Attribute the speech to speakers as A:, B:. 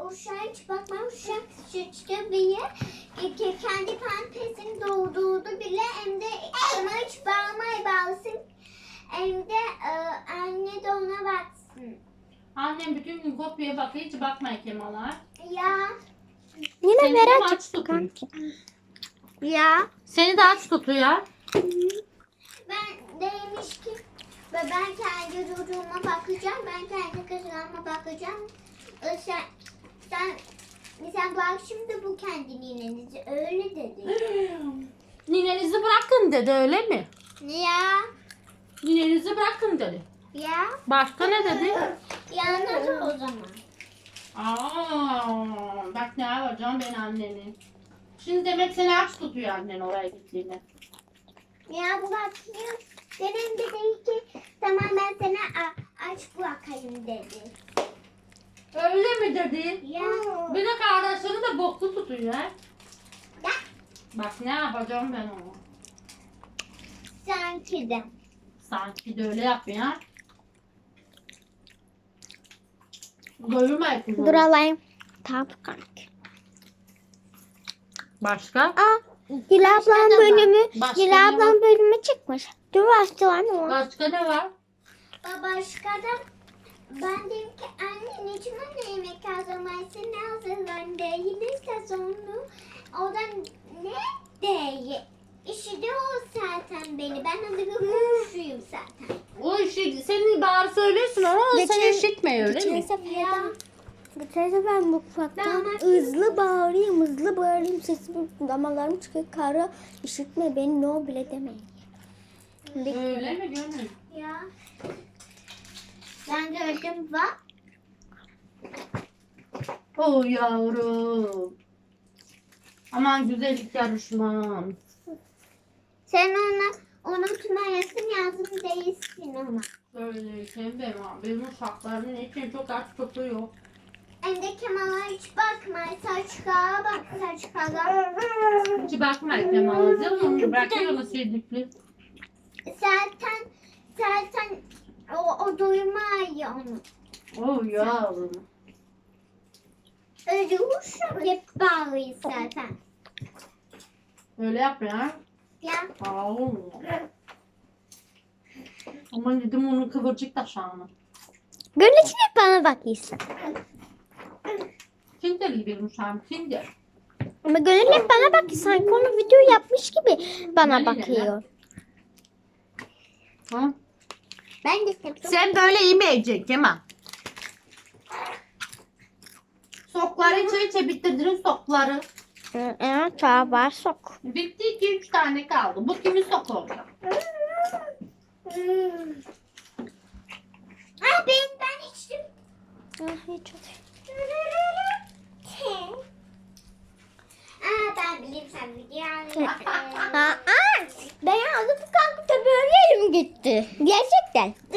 A: uşağa hiç bakmam. Uşak sıçtı bile. Kendi pampasını doldurdu bile. Hem de ama hiç bağlasın. Hem de anne de ona baksın.
B: Annem bütün gün kopyaya bakıyor, hiç bakmıyor Kemal'a.
A: Ya.
C: Yine
B: Seni de
C: merak
B: aç
C: ettim
B: tutuyor.
C: kanki. Ya.
B: Seni de aç tutuyor.
A: Ben demiş ki ben kendi çocuğuma bakacağım. Ben kendi kızıma bakacağım. Sen bak şimdi bu kendi ninenizi öyle dedi.
B: Ninenizi bırakın dedi, öyle mi?
A: Ya.
B: Ninenizi bırakın dedi.
A: Ya.
B: Başka ne dedi?
A: Ya nasıl o zaman?
B: Bak ne yapacağım ben anneni. Şimdi demek seni aç tutuyor annen oraya gittiğinde.
A: Ya bu bakıyor. Benim dedi ki tamam ben sana aç bırakayım dedi.
B: Öyle mi dedi?
A: Ya.
B: Bir de kardeşini de boklu tutuyor. He?
A: Ya.
B: Bak ne yapacağım ben onu.
A: Sanki de.
B: Sanki de öyle yapıyor. Ha? Doyurma kızım.
C: Dur alayım. Tamam kanki.
B: Başka?
C: Aa, Gül ablam
A: da var.
C: bölümü.
B: Başka
C: Gül
B: ne
C: ablam
B: var?
C: bölümü çıkmış. Dur başlayalım ama.
B: Başka ne var?
A: Başka da ben dedim ki anne niçin bana yemek hazırlaması ne hazırlan değilse sonra oradan ne değil. İşi de o zaten beni. Ben hazır konuşuyum zaten.
B: O işi senin bağır söylüyorsun ama o
C: Geçen-
B: seni işitmiyor öyle
C: Geçen
B: mi?
C: Geçen sefer mutfaktan
A: Ben-
C: hızlı bağırayım sesim damalarım çıkıyor kara işitme beni no bile demeyin.
B: Öyle mi Gönül?
A: Ya. Ben gördüm bak.
B: Oh yavrum. Aman güzellik yarışmam.
A: Sen ona unutmayasın yazım değilsin ama.
B: Söyleyeceğim benim uşaklarım için çok aç tutuyor.
A: Hem de Kemal'a hiç bakma. Saçkağa bak saçkağa.
B: Hiç bakma Kemal'a değil mi? Bırakıyor mu sevdikli?
A: Zaten o duymaya onu.
B: Oh yavrum.
A: Öyle uşak hep bağlıyız zaten.
B: Öyle yapma ya.
A: Ya.
B: Aa. Aman dedim onun kıvırcık taşağını.
C: Gönül için hep bana bakıyorsun.
B: Kinder gibi uşağım kinder.
C: Ama Gönül hep bana bakıyor. Sanki onu video yapmış gibi bana
B: Aynen
C: bakıyor.
B: Ha?
A: Ben de seviyorum.
B: Sen böyle yemeyeceksin Kemal. Sokları içe bitirdin sokları.
C: Evet var sok.
B: Bitti 2-3 tane kaldı. Bu kimin soku olacak?
A: Ben içtim.
C: Hiç
A: Ben bileyim sen video
C: Ben aldım kanka tabii öyle elim gitti. Gerçekten.